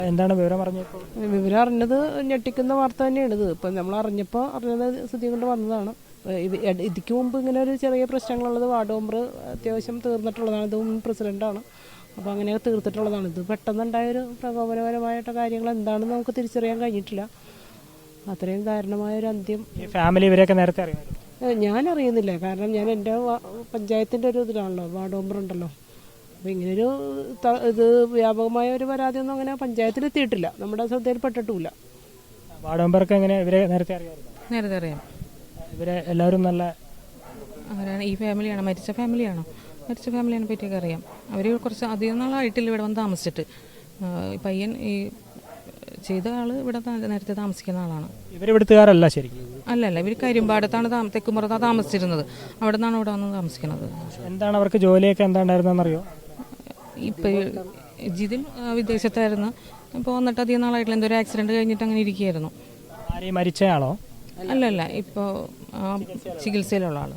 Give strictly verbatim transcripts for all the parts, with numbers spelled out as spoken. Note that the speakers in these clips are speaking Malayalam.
എന്താണ് വിവരം അറിഞ്ഞപ്പോൾ? വിവരം അറിഞ്ഞത് ഞെട്ടിക്കുന്ന വാർത്ത തന്നെയാണ് ഇത്. ഇപ്പം നമ്മൾ അറിഞ്ഞപ്പോൾ അറിഞ്ഞത് സ്ഥിതി കൊണ്ട് വന്നതാണ്. ഇത് ഇതിക്ക് മുമ്പ് ഇങ്ങനെ ഒരു ചെറിയ പ്രശ്നങ്ങളുള്ളത് വാർഡ് മെമ്പർ അത്യാവശ്യം തീർന്നിട്ടുള്ളതാണ്. ഇത് മുൻ പ്രസിഡൻ്റാണ്. അപ്പോൾ അങ്ങനെ തീർത്തിട്ടുള്ളതാണ്. ഇത് പെട്ടെന്നുണ്ടായൊരു പ്രകോപനപരമായിട്ട കാര്യങ്ങൾ എന്താണെന്ന് നമുക്ക് തിരിച്ചറിയാൻ കഴിഞ്ഞിട്ടില്ല. അത്രയും ദാരുണമായൊരു അന്ത്യം. ഈ ഫാമിലി ഇവരെയൊക്കെ നേരത്തെ അറിയാമായിരുന്നു? ഞാൻ അറിയുന്നില്ല. കാരണം ഞാൻ എൻ്റെ പഞ്ചായത്തിൻ്റെ ഒരു ഇതിലാണല്ലോ, വാർഡ് മെമ്പർ ഉണ്ടല്ലോ. അപ്പോൾ ഇങ്ങനൊരു ഇത് വ്യാപകമായ ഒരു പരാതിയൊന്നും അങ്ങനെ പഞ്ചായത്തിലെത്തിയിട്ടില്ല, നമ്മുടെ ശ്രദ്ധയിൽപ്പെട്ടിട്ടുമില്ല. വാർഡ് മെമ്പർക്ക് എങ്ങനെ ഇവരെ നേരത്തെ അറിയാമായിരുന്നു? നേരത്തെ അറിയാം. ഇവരെ എല്ലാവരും നല്ല അവരാണ്. ഈ ഫാമിലിയാണോ? മരിച്ച ഫാമിലിയാണോ? മരിച്ച ഫാമിലിയെ പറ്റിയൊക്കെ അറിയാം. അവർ കുറച്ച് അധികം നാളായിട്ടില്ല ഇവിടെ വന്ന് താമസിച്ചിട്ട്. പയ്യൻ ഈ ചെയ്ത ആൾ ഇവിടെ നേരത്തെ താമസിക്കുന്ന ആളാണ്. ഇവരിവിടുത്തുകാരല്ല ശരിക്കും? അല്ല അല്ല, ഇവർ കരിമ്പാടത്താണ് തെക്കുമ്പുറത്താണ് താമസിച്ചിരുന്നത്. അവിടെ നിന്നാണ് ഇവിടെ വന്ന് താമസിക്കുന്നത്. എന്താണ് അവർക്ക് ജോലിയൊക്കെ എന്താണ്ടായിരുന്നറിയോ? ഇപ്പം ജിതിൻ വിദേശത്തായിരുന്നു. ഇപ്പോൾ വന്നിട്ട് അധികം നാളായിട്ടില്ല. എന്തോ ഒരു ആക്സിഡന്റ് കഴിഞ്ഞിട്ട് അങ്ങനെ ഇരിക്കുകയായിരുന്നു. ആരെയും മരിച്ചയാളോ? അല്ല അല്ല, ഇപ്പോൾ ചികിത്സയിലുള്ള ആള്.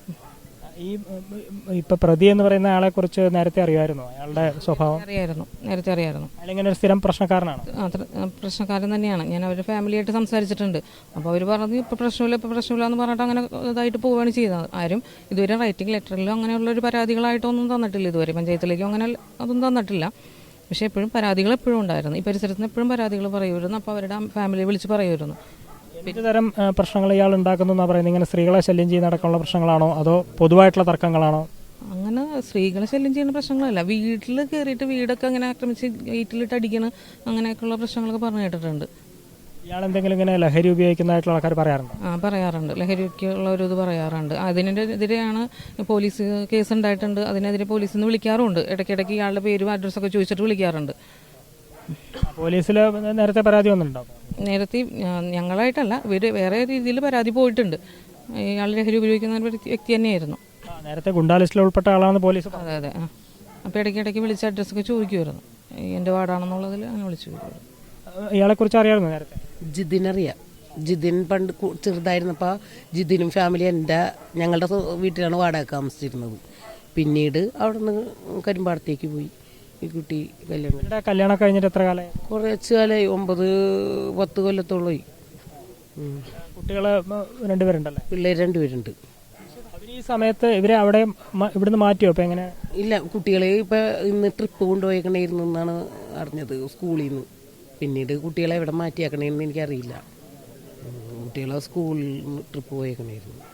ഈ ഇപ്പൊ പ്രതി എന്ന് പറയുന്ന ആളെ കുറിച്ച് നേരത്തെ അറിയാമായിരുന്നു? അയാളുടെ സ്വഭാവം അറിയായിരുന്നു, നേരത്തെ അറിയായിരുന്നു. അയാളിങ്ങനെ ഒരു സ്ഥിരം പ്രശ്നക്കാരനാണ്? പ്രശ്നക്കാരൻ തന്നെയാണ്. ഞാൻ അവരുടെ ഫാമിലിയായിട്ട് സംസാരിച്ചിട്ടുണ്ട്. അപ്പോൾ അവർ പറഞ്ഞു ഇപ്പം പ്രശ്നമില്ല, ഇപ്പം പ്രശ്നമില്ല എന്ന് പറഞ്ഞിട്ട് അങ്ങനെ ഇതായിട്ട് പോവുകയാണ് ചെയ്തത്. ആരും ഇതുവരെ റൈറ്റിംഗ് ലെറ്ററിലോ അങ്ങനെയുള്ളൊരു പരാതികളായിട്ടൊന്നും തന്നിട്ടില്ല ഇതുവരെ. പഞ്ചായത്തിലേക്കോ അങ്ങനെ അതൊന്നും തന്നിട്ടില്ല. പക്ഷേ എപ്പോഴും പരാതികൾ എപ്പോഴും ഉണ്ടായിരുന്നു. ഈ പരിസരത്ത് നിന്ന് എപ്പോഴും പരാതികൾ പറയുമായിരുന്നു. അപ്പോൾ അവരുടെ ഫാമിലിയെ വിളിച്ച് പറയുമായിരുന്നു. എന്ത് തരം പ്രശ്നങ്ങൾ ഇയാൾ ഉണ്ടാക്കുന്നു എന്നാണ് പറയുന്നത്? ഇങ്ങനെ സ്ത്രീകളെ ശല്യം ചെയ്യുന്ന അടക്കമുള്ള പ്രശ്നങ്ങളാണോ അതോ പൊതുവായിട്ടുള്ള തർക്കങ്ങളാണോ? അങ്ങനെ സ്ത്രീകളെ ശല്യം ചെയ്യുന്ന പ്രശ്നങ്ങളല്ല. വീട്ടിൽ കയറിയിട്ട് വീടൊക്കെ അങ്ങനെ ആക്രമിച്ച് ഗേറ്റിലിട്ട് അടിക്കണം, അങ്ങനെയൊക്കെയുള്ള പ്രശ്നങ്ങളൊക്കെ പറഞ്ഞു കേട്ടിട്ടുണ്ട്. ഇയാൾ എന്തെങ്കിലും ഇങ്ങനെ ലഹരി ഉപയോഗിക്കുന്നതായിട്ടുള്ള ആൾക്കാർ പറയാറുണ്ട്? ആ പറയാറുണ്ട്. ലഹരിക്കുള്ള ഒരു ഇത് പറയാറുണ്ട്. അതിനെതിരെയാണ് പോലീസ് കേസ് ഉണ്ടായിട്ടുണ്ട്. അതിനെതിരെ പോലീസിൽ നിന്ന് വിളിക്കാറുണ്ട്. ഇടയ്ക്കിടയ്ക്ക് ഇയാളുടെ പേരും അഡ്രസ്സൊക്കെ ചോദിച്ചിട്ട് വിളിക്കാറുണ്ട്. പോലീസിൽ നേരത്തെ പരാതി വന്നിട്ടുണ്ടോ? നേരത്തെ ഞങ്ങളായിട്ടല്ല, ഇവർ വേറെ രീതിയിൽ പരാതി പോയിട്ടുണ്ട്. ഇയാൾ ലഹരി ഉപയോഗിക്കുന്ന വ്യക്തി തന്നെയായിരുന്നു. നേരത്തെ ഗുണ്ടാ ലിസ്റ്റിൽ ഉൾപ്പെട്ട ആളാണ് പോലീസ്? അതെ അതെ. ആ അപ്പോൾ ഇടയ്ക്കിടയ്ക്ക് വിളിച്ച് അഡ്രസ്സൊക്കെ ചോദിക്കുമായിരുന്നു. എൻ്റെ വാർഡാണെന്നുള്ളതിൽ അങ്ങനെ വിളിച്ചു ചോദിക്കുമായിരുന്നു. ഇയാളെ കുറിച്ച് അറിയാമായിരുന്നു നേരത്തെ? ജിതിനറിയാം. ജിതിൻ പണ്ട് ചെറുതായിരുന്നപ്പോൾ ജിതിനും ഫാമിലി എൻ്റെ ഞങ്ങളുടെ വീട്ടിലാണ് വാടക താമസിച്ചിരുന്നത്. പിന്നീട് അവിടെ നിന്ന് കരിമ്പാടത്തേക്ക് പോയി. ഈ കുട്ടി കല്യാണം കല്യാണം കഴിഞ്ഞിട്ട് എത്ര കാലമായി? കുറച്ച് കാലമായി, ഒമ്പത് പത്ത് കൊല്ലത്തോളമായി. കുട്ടികള് രണ്ടുപേരുണ്ടല്ലേ? പിള്ളേർ രണ്ടുപേരുണ്ട്. ഈ സമയത്ത് ഇവരെ അവിടെ ഇവിടുന്ന് മാറ്റിയോ? ഇപ്പം എങ്ങനെ? ഇല്ല, കുട്ടികളെ ഇപ്പം ഇന്ന് ട്രിപ്പ് കൊണ്ടുപോയേക്കണേരുന്നു എന്നാണ് അറിഞ്ഞത് സ്കൂളിൽ നിന്ന്. പിന്നീട് കുട്ടികളെ എവിടെ മാറ്റിയാക്കണേന്ന് എനിക്കറിയില്ല. കുട്ടികളെ സ്കൂളിൽ ട്രിപ്പ് പോയേക്കണേരുന്നു.